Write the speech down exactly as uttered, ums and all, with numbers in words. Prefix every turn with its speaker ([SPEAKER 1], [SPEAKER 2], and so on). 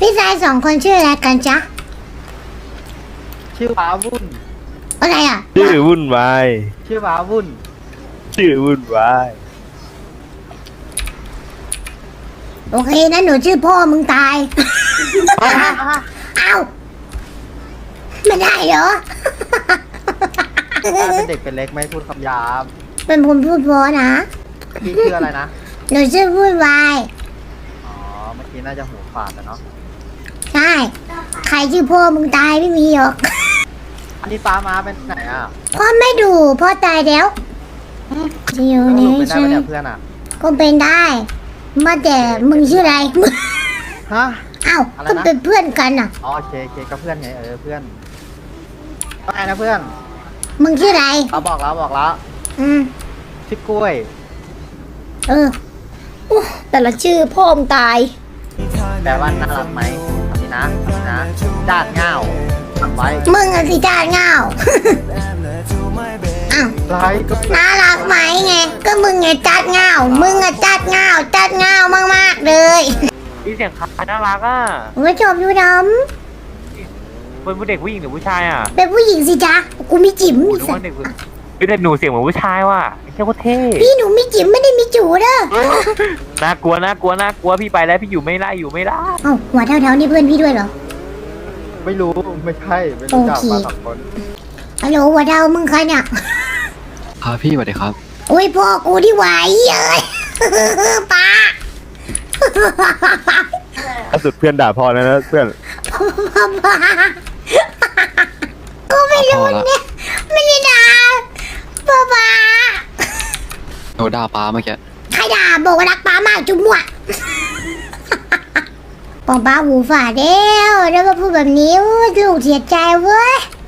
[SPEAKER 1] พี่ชายสองคนชื่ออะไรกันจ๊ะ
[SPEAKER 2] ชื่อว้าวุ่น
[SPEAKER 1] อะไรอ่ะ
[SPEAKER 3] ชื่อวุ่นวาย
[SPEAKER 2] ชื่อว้าวุ่น
[SPEAKER 3] ชื่อวุ่นวาย
[SPEAKER 1] โอเคนะหนูชื่อพ่อมึงตาย เอ้าไม่ได้เหรอ
[SPEAKER 2] เป็นเด็กเป็นเล็กไม่พูดคำหยาบ
[SPEAKER 1] เป็นผมพูดเพอนะ
[SPEAKER 2] พี่ชื่ออะไรนะ
[SPEAKER 1] หนูชื่อพูดวาย
[SPEAKER 2] อ๋อ เมื่อกี้น่าจะหูฝาดอะเนาะ
[SPEAKER 1] ใช่ ใครชื่อพ่อมึงตายไม่มีหรอก
[SPEAKER 2] อันนี้ป้ามาเป็นไหนอ่ะ
[SPEAKER 1] พ่อไม่ดูพ่อตายแล้วจะอยู่
[SPEAKER 2] แล้ว
[SPEAKER 1] ใน
[SPEAKER 2] หนูเป็นได้
[SPEAKER 1] ฉั
[SPEAKER 2] ไหม
[SPEAKER 1] น
[SPEAKER 2] เนี่ยเพื่อนอ่ะ
[SPEAKER 1] ก็เป็นได้มาแต่มึงชื่ออะไร มึง
[SPEAKER 2] ฮะ
[SPEAKER 1] เอ้า
[SPEAKER 2] อะไร
[SPEAKER 1] ก็
[SPEAKER 2] นะ
[SPEAKER 1] เป็นเพื่อนกันอ่ะ
[SPEAKER 2] อ๋อโอเคโอเคก็เพื่อนไงเออเพื่อนว่าไงนะเพื่อน
[SPEAKER 1] มึงชื่ออะไร
[SPEAKER 2] เราบอกแล้วบอกแล้ว
[SPEAKER 1] อืม
[SPEAKER 2] ชื่อกล้วย
[SPEAKER 1] เอออู้แต่ละชื่อพ่อมึงตาย
[SPEAKER 2] แปลว่าน่ารักไหมทำนี้นะทำนี้นะจ้าดเง่าทำไว้
[SPEAKER 1] มึงอะสิจ้าเงา อ้าว
[SPEAKER 2] ไรก็
[SPEAKER 1] น่ารักไหมไง ก็มึงไงจัดเงา มึงอะจัดเงาจัดเงามากๆเลย
[SPEAKER 4] พี่เสียงคล้ายน่ารักอ่ะ
[SPEAKER 1] ไม่ชอบดูด
[SPEAKER 4] เป็นผู้เด็กผู้หญิงหรือผู้ชายอ่ะ
[SPEAKER 1] ำเป็นผู้หญิงสิจ๊ะ กูมีจิ๋ม
[SPEAKER 4] โอ้
[SPEAKER 1] มี
[SPEAKER 4] ดู
[SPEAKER 1] สั
[SPEAKER 4] ว่าเด็กผู้พี่แต่หนูเสียงเหมือนผู้ชายว่ะเชื่อว่าเท่
[SPEAKER 1] พี่หนูมีจิ๋มไม่ได้มีจูเด้อ
[SPEAKER 4] น่ากลัวน่ากลัวน่ากลัวพี่ไปแล้วพี่อยู่ไม่ได้อยู่ไม่ได้
[SPEAKER 1] เอ้าหัวเท่าๆนี่เพื่อนพี่ด้วยเหรอ
[SPEAKER 2] ไม่รู้ไม่ใช่ไม่รู้จัก
[SPEAKER 1] โอเค
[SPEAKER 2] มาสองคน
[SPEAKER 1] ฮัลโหลหัวเท่ามึงใครเนี่ย
[SPEAKER 5] ครับพี่สวัสดีครับ
[SPEAKER 1] โอ้ยพ่อกูที่ไหวเอ้ย ป้า
[SPEAKER 3] ล่าสุดเพื่อนด่าพ่อนะนะเพื่อน
[SPEAKER 1] ป้ากูไม่รู้เนี่ยไม่ได้ด่าป้าป้า
[SPEAKER 5] โดนด่าป้าเมื่อกี้
[SPEAKER 1] ใครด่าบอกว่ารักป้ามากจุ๊บหมวด ปองป้าหูฝาดแล้วแล้วมาพูดแบบนี้โอ้ยลูกเสียใจเว้ย